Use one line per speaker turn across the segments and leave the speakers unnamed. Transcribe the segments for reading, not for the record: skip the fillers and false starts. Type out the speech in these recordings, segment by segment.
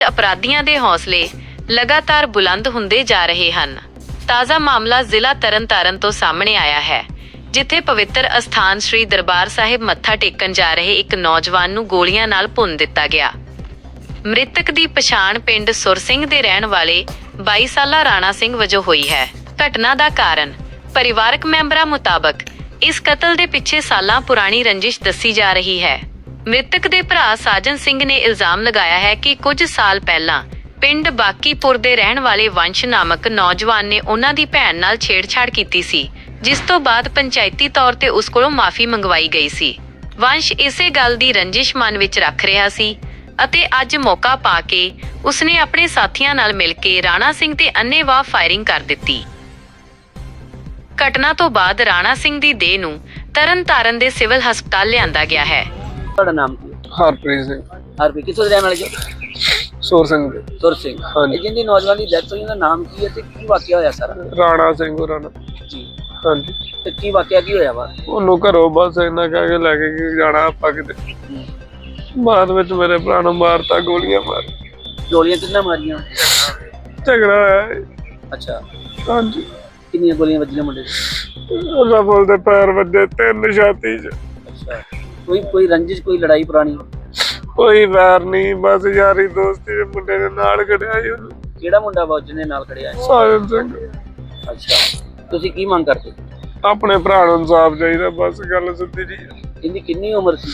अपराधियों के हौसले लगातार बुलंद हुंदे जा रहे हैं। ताज़ा मामला जिला तरनतारन तो सामने आया है, जिथे पवित्र अस्थान श्री दरबार साहिब मत्था टेकन जा रहे एक नौजवान नूं गोलियां नाल भुन दिता गया। मृतक की पछाण पिंड सुर सिंह दे रहण वाले 22 साला राणा सिंह वजों हुई है। घटना का कारण परिवारक मैंबरां मुताबक इस कतल के पिछे सालां पुरानी रंजिश दसी जा रही है। मृतक के भरा साजन सिंह ने इल्जाम लगाया है कि कुछ साल पहला पिंड बाकीपुर दे रहण वाले वंश नामक नौजवान ने उन्हां दी भैण नाल छेड़छाड़ कीती सी, जिस तो बाद पंचायती तौर ते उस कोलों माफी मंगवाई गई सी। वंश इसे गल दी रंजिश मन विच रख रहा सी अते अज मौका पा के उसने अपने साथियां नाल मिल के राणा सिंह ते अन्नेवाह फायरिंग कर दित्ती। घटना तो बाद राणा सिंह दी देह नूं तरनतारन दे सिविल हस्पताल लिआंदा गया है।
ਤੁਹਾਡਾ ਨਾਮ ਕੀ ਹੈ?
ਹਰਪ੍ਰੀਤ ਸਿੰਘ।
ਹਰਪ੍ਰੀਤ ਕਿੱਥੋਂ ਦੇ ਰਹਿਣ ਵਾਲੇ ਜੀ?
ਸੁਰ ਸਿੰਘ ਦੇ।
ਸੁਰ ਸਿੰਘ।
ਹਾਂਜੀ।
ਜਿਹਦੀ ਨੌਜਵਾਨ ਦੀ ਡੈਥ ਹੋਈ ਉਹਦਾ ਨਾਮ ਕੀ ਹੈ ਤੇ ਕੀ ਵਾਕਿਆ ਹੋਇਆ ਸਾਰਾ?
ਰਾਣਾ ਸਿੰਘ ਹੋਰਾਂ ਨਾਲ।
ਜੀ।
ਹਾਂਜੀ।
ਤੇ ਕੀ ਵਾਕਿਆ ਕੀ ਹੋਇਆ ਵਾ?
ਉਹਨੂੰ ਘਰੋਂ ਬਸ ਇੰਨਾ ਕਹਿ ਕੇ ਲੈ ਕੇ ਜਾਣਾ ਆਪਾਂ ਕਿਤੇ, ਬਾਅਦ ਵਿੱਚ ਮੇਰੇ ਭਰਾ ਨੂੰ ਮਾਰਤਾ, ਗੋਲੀਆਂ ਮਾਰ।
ਗੋਲੀਆਂ ਕਿੰਨਾ ਮਾਰੀਆਂ?
ਝਗੜਾ ਹੋਇਆ ਹੈ।
ਅੱਛਾ।
ਹਾਂਜੀ।
ਕਿੰਨੀਆਂ ਗੋਲੀਆਂ ਵੱਜੀਆਂ ਮੁੰਡੇ ਦੇ?
ਉਹਦਾ ਬੋਲ ਦੇ ਪੈਰ ਵੱਜੇ, 3 ਛਾਤੀ 'ਚ।
ਅੱਛਾ। ਕੋਈ ਰੰਜਿਸ਼, ਕੋਈ ਲੜਾਈ ਪੁਰਾਣੀ?
ਕੋਈ ਵੈਰ ਨਹੀਂ, ਬਸ ਯਾਰੀ ਦੋਸਤੀ ਦੇ ਮੁੰਡੇ ਦੇ ਨਾਲ ਖੜਿਆ ਸੀ ਉਹਨੂੰ।
ਕਿਹੜਾ ਮੁੰਡਾ ਵਾ ਜਿਹਨੇ ਨਾਲ ਖੜਿਆ?
ਸਾਜਨ ਸਿੰਘ।
ਅੱਛਾ। ਤੁਸੀਂ ਕੀ ਮੰਗ ਕਰਦੇ?
ਆਪਣੇ ਭਰਾ ਨੂੰ ਇਨਸਾਫ ਚਾਹੀਦਾ, ਬਸ ਗੱਲ ਸਿੱਧੀ ਜੀ।
ਇਹਦੀ ਕਿੰਨੀ ਉਮਰ ਸੀ?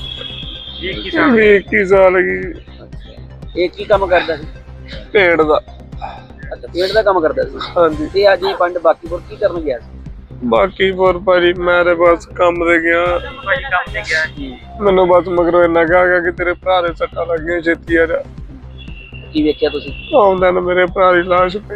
21 ਸਾਲ ਦੀ।
ਅੱਛਾ। ਇਹ ਕੀ ਕੰਮ ਕਰਦਾ ਸੀ?
ਪੇੜ ਦਾ।
ਅੱਛਾ, ਪੇਂਟ ਦਾ ਕੰਮ ਕਰਦਾ ਸੀ।
ਹਾਂਜੀ।
ਤੇ ਅੱਜ ਇਹ ਪਿੰਡ ਬਾਕੀਪੁਰ ਕੀ ਕਰਨ ਗਿਆ ਸੀ?
ਬਾਕੀ ਹੋਰ ਭਾਜੀ ਮੈਂ ਤੇ ਬਸ ਕੰਮ ਤੇ ਗਿਆ। ਮੈਨੂੰ ਬਸ ਮਗਰੋਂ ਇੰਨਾ ਕਿਹਾ ਕਿ ਤੇਰੇ ਭਰਾ ਦੇ ਸੱਟਾਂ ਲੱਗੀਆਂ, ਛੇਤੀ ਆ ਜਾ।
ਕੀ ਵੇਖਿਆ ਤੁਸੀਂ?
ਆਉਂਦਾ ਨਾ ਮੇਰੇ ਭਰਾ ਦੀ ਲਾਸ਼ ਪਈ।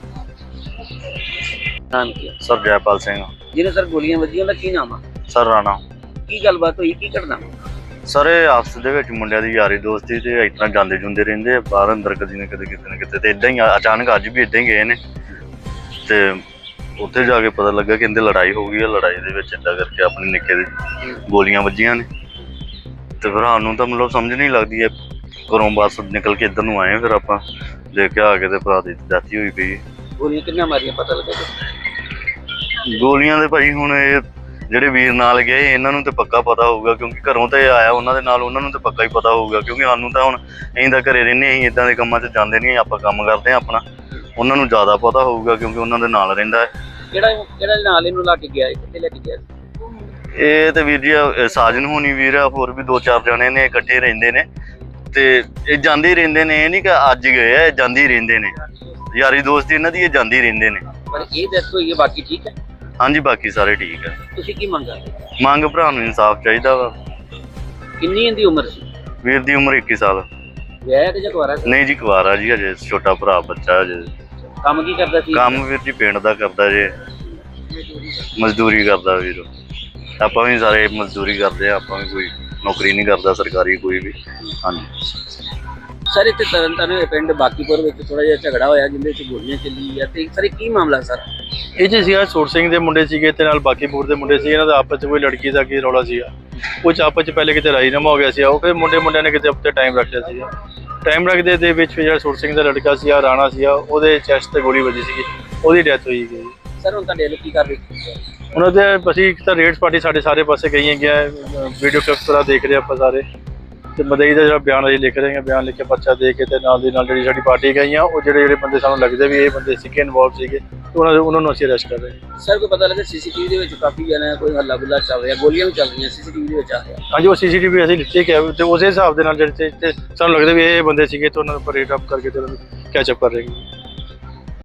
ਨਾਮ ਕੀ ਹੈ?
ਸਰ ਜੈਪਾਲ ਸਿੰਘ।
ਜਿਹਨੇ ਸਰ ਗੋਲੀਆਂ ਵੱਜੀਆਂ ਉਹਦਾ ਕੀ ਨਾਮ ਆ?
ਸਰ ਰਾਣਾ।
ਕੀ ਗੱਲਬਾਤ ਹੋਈ, ਕੀ ਘਟਨਾ?
ਸਰ ਇਹ ਆਪਸ ਦੇ ਵਿੱਚ ਮੁੰਡਿਆਂ ਦੀ ਯਾਰੀ ਦੋਸਤੀ ਤੇ ਇਸ ਤਰ੍ਹਾਂ ਜਾਂਦੇ ਜੁੰਦੇ ਰਹਿੰਦੇ ਆ ਬਾਹਰ ਅੰਦਰ, ਕਦੀ ਨਾ ਕਦੇ ਕਿਤੇ ਨਾ ਕਿਤੇ, ਤੇ ਇਦਾਂ ਹੀ ਅਚਾਨਕ ਅੱਜ ਵੀ ਇਦਾਂ ਹੀ ਗਏ ਨੇ ਤੇ ਉੱਥੇ ਜਾ ਕੇ ਪਤਾ ਲੱਗਾ ਕਿ ਇਹਦੇ ਲੜਾਈ ਹੋ ਗਈ ਹੈ। ਲੜਾਈ ਦੇ ਵਿੱਚ ਏਦਾਂ ਕਰਕੇ ਆਪਣੇ ਨਿੱਕੇ ਦੇ ਗੋਲੀਆਂ ਵੱਜੀਆਂ ਨੇ ਤੇ ਫਿਰ ਸਾਨੂੰ ਤਾਂ ਮਤਲਬ ਸਮਝ ਨਹੀਂ ਲੱਗਦੀ ਹੈ। ਘਰੋਂ ਬਸ ਨਿਕਲ ਕੇ ਇੱਧਰ ਨੂੰ ਆਏ, ਫਿਰ ਆਪਾਂ ਦੇਖਿਆ ਆ ਕੇ ਤੇ ਭਰਾ ਦੀ ਡੈਥ ਹੋਈ ਪਈ।
ਗੋਲੀਆਂ ਕਿੰਨਾ ਮਾਰੀਆਂ ਪਤਾ ਲੱਗਾ?
ਗੋਲੀਆਂ ਦੇ ਭਾਈ ਹੁਣ ਇਹ ਜਿਹੜੇ ਵੀਰ ਨਾਲ ਗਏ ਇਹਨਾਂ ਨੂੰ ਤੇ ਪੱਕਾ ਪਤਾ ਹੋਊਗਾ, ਕਿਉਂਕਿ ਘਰੋਂ ਤੇ ਆਇਆ ਉਹਨਾਂ ਦੇ ਨਾਲ, ਉਹਨਾਂ ਨੂੰ ਤੇ ਪੱਕਾ ਹੀ ਪਤਾ ਹੋਊਗਾ। ਕਿਉਂਕਿ ਸਾਨੂੰ ਤਾਂ ਹੁਣ ਅਸੀਂ ਤਾਂ ਘਰੇ ਰਹਿੰਦੇ, ਅਸੀਂ ਇੱਦਾਂ ਦੇ ਕੰਮਾਂ 'ਚ ਜਾਂਦੇ ਨਹੀਂ, ਆਪਾਂ ਕੰਮ ਕਰਦੇ ਹਾਂ ਆਪਣਾ। ਉਹਨਾਂ ਨੂੰ ਜ਼ਿਆਦਾ ਪਤਾ ਹੋਊਗਾ ਕਿਉਂਕਿ ਉਹਨਾਂ ਦੇ ਨਾਲ ਰਹਿੰਦਾ ਹੈ।
ਕਿਹੜਾ ਨਾਲ ਇਹਨੂੰ ਲਾ ਕੇ ਗਿਆ? ਕਿੱਥੇ ਲੈ ਕੇ ਗਿਆ?
ਇਹ ਤੇ ਵੀਰ ਜੀ ਸਾਜਨ ਹੋਣੀ ਵੀਰ ਆ, ਹੋਰ ਵੀ 2-4 ਜਣੇ ਨੇ, ਇਕੱਠੇ ਰਹਿੰਦੇ ਨੇ ਤੇ ਇਹ ਜਾਂਦੇ ਹੀ ਰਹਿੰਦੇ ਨੇ। ਇਹ ਨਹੀਂ ਕਿ ਅੱਜ ਗਏ ਆ, ਇਹ ਜਾਂਦੇ ਹੀ ਰਹਿੰਦੇ ਨੇ। ਯਾਰੀ ਦੋਸਤੀ ਇਹਨਾਂ ਦੀ, ਇਹ ਜਾਂਦੇ ਹੀ ਰਹਿੰਦੇ ਨੇ।
ਪਰ ਇਹ ਡੈਥ ਹੋਈ ਹੈ, ਬਾਕੀ ਠੀਕ ਹੈ?
ਹਾਂਜੀ, ਬਾਕੀ ਸਾਰੇ ਠੀਕ ਹੈ।
ਤੁਸੀਂ ਕੀ ਮੰਗ ਕਰਦੇ?
ਮੰਗ ਭਰਾ ਨੂੰ ਇਨਸਾਫ ਚਾਹੀਦਾ ਵਾ।
ਕਿੰਨੀ ਇਹਦੀ ਉਮਰ ਸੀ?
ਵੀਰ ਦੀ ਉਮਰ 21 ਸਾਲ।
ਵਿਆਹਿਆ ਕਿ ਜਾਂ ਕੁਆਰਾ ਸੀ?
ਨਹੀਂ ਜੀ, ਕੁਆਰਾ ਜੀ, ਅਜੇ ਛੋਟਾ ਭਰਾ ਬੱਚਾ ਅਜੇ।
ਕੰਮ ਕੀ ਕਰਦਾ ਸੀ?
ਕੰਮ ਵੀਰ ਜੀ ਪਿੰਡ ਦਾ ਕਰਦਾ ਜੇ, ਮਜ਼ਦੂਰੀ ਕਰਦਾ ਵੀਰ। ਆਪਾਂ ਵੀ ਸਾਰੇ ਮਜ਼ਦੂਰੀ ਕਰਦੇ ਆ, ਆਪਾਂ ਵੀ ਕੋਈ ਨੌਕਰੀ ਨਹੀਂ ਕਰਦਾ ਸਰਕਾਰੀ ਕੋਈ ਵੀ। ਹਾਂਜੀ
ਸਰ, ਇੱਥੇ ਤਰਨਤਾਰਨ ਪਿੰਡ ਬਾਕੀਪੁਰ ਵਿੱਚ ਥੋੜਾ ਜਿਹਾ ਝਗੜਾ ਹੋਇਆ ਜਿਹਦੇ ਵਿੱਚ ਗੋਲੀਆਂ ਚੱਲੀ ਆ, ਤੇ ਸਰ ਇਹ ਕੀ ਮਾਮਲਾ ਸਰ?
ਇਹ ਜੀ ਸੀਗਾ ਸੁਰ ਸਿੰਘ ਦੇ ਮੁੰਡੇ ਸੀਗੇ ਤੇ ਨਾਲ ਬਾਕੀਪੁਰ ਦੇ ਮੁੰਡੇ ਸੀ। ਇਹਨਾਂ ਦਾ ਆਪਸ 'ਚ ਕੋਈ ਲੜਕੀ ਦਾ ਕੀ ਰੌਲਾ ਸੀਗਾ, ਕੁਝ ਆਪਸ 'ਚ ਪਹਿਲੇ ਕਿਤੇ ਰਾਜੀਨਾਮਾ ਹੋ ਗਿਆ ਸੀ। ਉਹ ਫਿਰ ਮੁੰਡਿਆਂ ਨੇ ਕਿਤੇ ਉੱਤੇ ਟਾਈਮ ਰੱਖ ਲਿਆ ਸੀਗਾ। ਟਾਈਮ ਰੱਖਦੇ ਦੇ ਵਿੱਚ ਫਿਰ ਜਿਹੜਾ ਸੁਰ ਸਿੰਘ ਦਾ ਲੜਕਾ ਸੀ ਰਾਣਾ ਸੀਗਾ, ਉਹਦੇ ਚੈਸਟ ਤੇ ਗੋਲੀ ਵੱਜੀ ਸੀਗੀ, ਉਹਦੀ ਡੈਥ ਹੋਈ ਗਈ।
ਸਰ ਹੁਣ ਤੁਹਾਡੇ ਕੀ ਕਰ ਰਹੇ?
ਉਹਨਾਂ ਦੇ ਅਸੀਂ ਇੱਕ ਤਾਂ ਰੇਡਸ ਪਾਰਟੀ ਸਾਡੇ ਸਾਰੇ ਪਾਸੇ ਗਈ ਹੈਗੀਆਂ, ਵੀਡੀਓ ਕਲਿੱਪਸ ਵਗੈਰਾ ਦੇਖ ਰਹੇ ਆਪਾਂ ਸਾਰੇ, ਤੇ ਮਦਈ ਦਾ ਜਿਹੜਾ ਬਿਆਨ ਅਸੀਂ ਲਿਖ ਰਹੇ ਹਾਂ, ਬਿਆਨ ਲਿਖ ਕੇ ਪਰਚਾ ਦੇ ਕੇ ਤੇ ਨਾਲ ਦੀ ਨਾਲ ਜਿਹੜੀ ਸਾਡੀ ਪਾਰਟੀ ਗਈਆਂ, ਉਹ ਜਿਹੜੇ ਬੰਦੇ ਸਾਨੂੰ ਲੱਗਦੇ ਵੀ ਇਹ ਬੰਦੇ ਸੀਗੇ ਇਨਵੋਲਵ ਸੀਗੇ, ਉਹਨਾਂ ਨੂੰ ਅਸੀਂ ਅਰੈਸਟ ਕਰ ਰਹੇ ਹਾਂ।
ਸਰ ਕੋਈ ਪਤਾ ਲੱਗਾ ਸੀਸੀਟੀਵੀ ਦੇ ਵਿੱਚ ਕਾਫੀ ਜਣਾ ਕੋਈ ਹੱਲਾ ਗੁੱਲਾ ਚੱਲ ਰਿਹਾ, ਗੋਲੀਆਂ ਵੀ ਚੱਲ ਰਹੀਆਂ ਸੀਸੀਟੀਵੀ ਦੇ ਵਿੱਚ ਆ ਰਿਹਾ?
ਹਾਂਜੀ, ਉਹ ਸੀਸੀਟੀਵੀ ਅਸੀਂ ਲਿੱਤੇ ਕਿ ਤੇ ਉਸੇ ਹਿਸਾਬ ਦੇ ਨਾਲ ਜਿਹੜੇ ਸਾਨੂੰ ਲੱਗਦਾ ਵੀ ਇਹ ਬੰਦੇ ਸੀਗੇ ਤੇ ਉਹਨਾਂ ਨੂੰ ਰੇਟ ਅਪ ਕਰਕੇ ਤੇ ਉਹਨਾਂ ਨੂੰ ਕੈਚ ਅਪ ਕਰ ਰਹੇ ਹਾਂ।